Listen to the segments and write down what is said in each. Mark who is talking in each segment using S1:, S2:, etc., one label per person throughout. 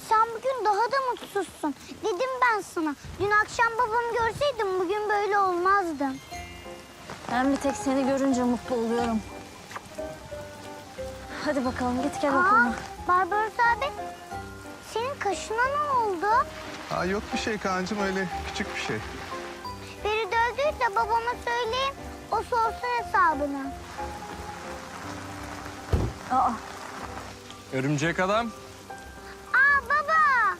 S1: sen bugün daha da mutsuzsun. Dedim ben sana. Dün akşam babamı görseydim bugün böyle olmazdım.
S2: Ben bir tek seni görünce mutlu oluyorum. Hadi bakalım git gel okuluna.
S1: Barbaros abi, senin kaşına ne oldu?
S3: Aa, yok bir şey Kaan'cığım, öyle küçük bir şey.
S1: Biri dövdüyse babama söyleyeyim. O sorsun hesabını.
S2: Aa,
S4: Örümcek adam.
S1: Aa baba.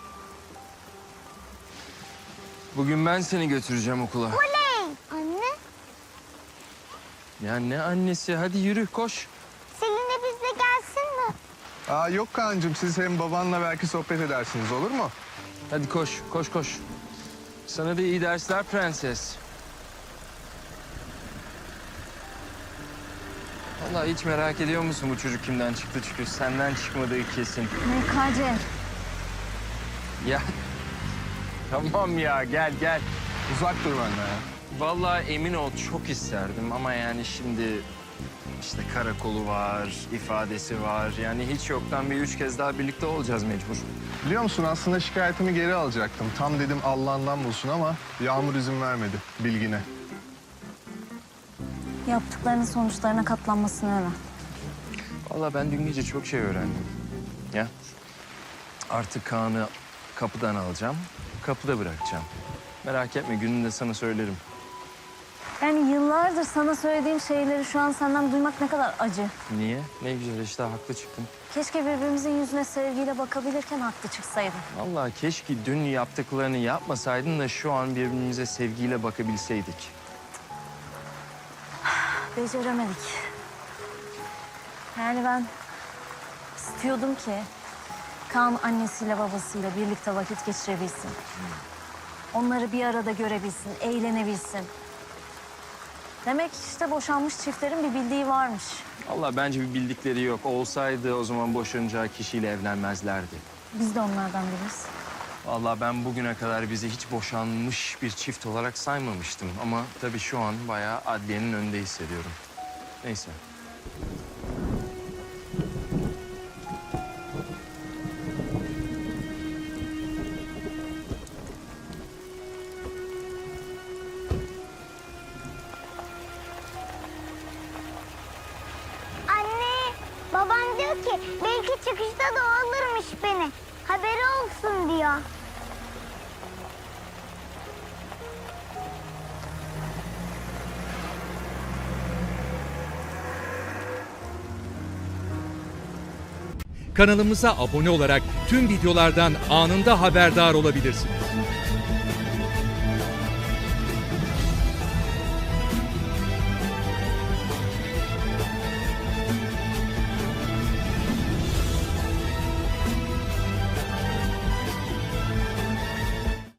S4: Bugün ben seni götüreceğim okula.
S1: Oley. Anne,
S4: Ya ne annesi? Hadi yürü koş.
S1: Selin de bizle gelsin mi?
S3: Aa, yok Kaan'cığım, siz hem babanla belki sohbet edersiniz, olur mu?
S4: Hadi koş, koş, koş. Sana da iyi dersler prenses. Vallahi hiç merak ediyor musun bu çocuk kimden çıktı? Çünkü senden çıkmadığı kesin.
S2: MKC.
S4: Ya tamam ya, gel gel.
S3: Uzak dur benden ya.
S4: Vallahi emin ol çok isterdim ama yani şimdi işte karakolu var, ifadesi var. Yani hiç yoktan bir 3 kez daha birlikte olacağız mecbur.
S3: Biliyor musun, aslında şikayetimi geri alacaktım. Tam dedim Allah'ından bulsun ama Yağmur izin vermedi, bilgine.
S2: Yaptıklarının sonuçlarına katlanmasını öğren.
S4: Vallahi ben dün gece çok şey öğrendim. Ya artık Kaan'ı kapıdan alacağım, kapıda bırakacağım. Merak etme, gününde sana söylerim.
S2: Yani yıllardır sana söylediğim şeyleri şu an senden duymak ne kadar acı.
S4: Niye? Ne güzel işte, haklı çıktın.
S2: Keşke birbirimizin yüzüne sevgiyle bakabilirken haklı çıksaydın.
S4: Vallahi keşke dün yaptıklarını yapmasaydın da şu an birbirimize sevgiyle bakabilseydik.
S2: Beceremedik. Yani ben istiyordum ki Kaan annesiyle babasıyla birlikte vakit geçirebilsin. Onları bir arada görebilsin, eğlenebilsin. Demek işte boşanmış çiftlerin bir bildiği varmış.
S4: Vallahi bence bir bildikleri yok. Olsaydı o zaman boşanacağı kişiyle evlenmezlerdi.
S2: Biz de onlardan biriz.
S4: Vallahi ben bugüne kadar bizi hiç boşanmış bir çift olarak saymamıştım. Ama tabii şu an bayağı adliyenin önünde hissediyorum. Neyse.
S1: Anne, baban diyor ki belki çıkışta da o alırmış beni. Haberi olsun diyor.
S5: Kanalımıza abone olarak tüm videolardan anında haberdar olabilirsiniz.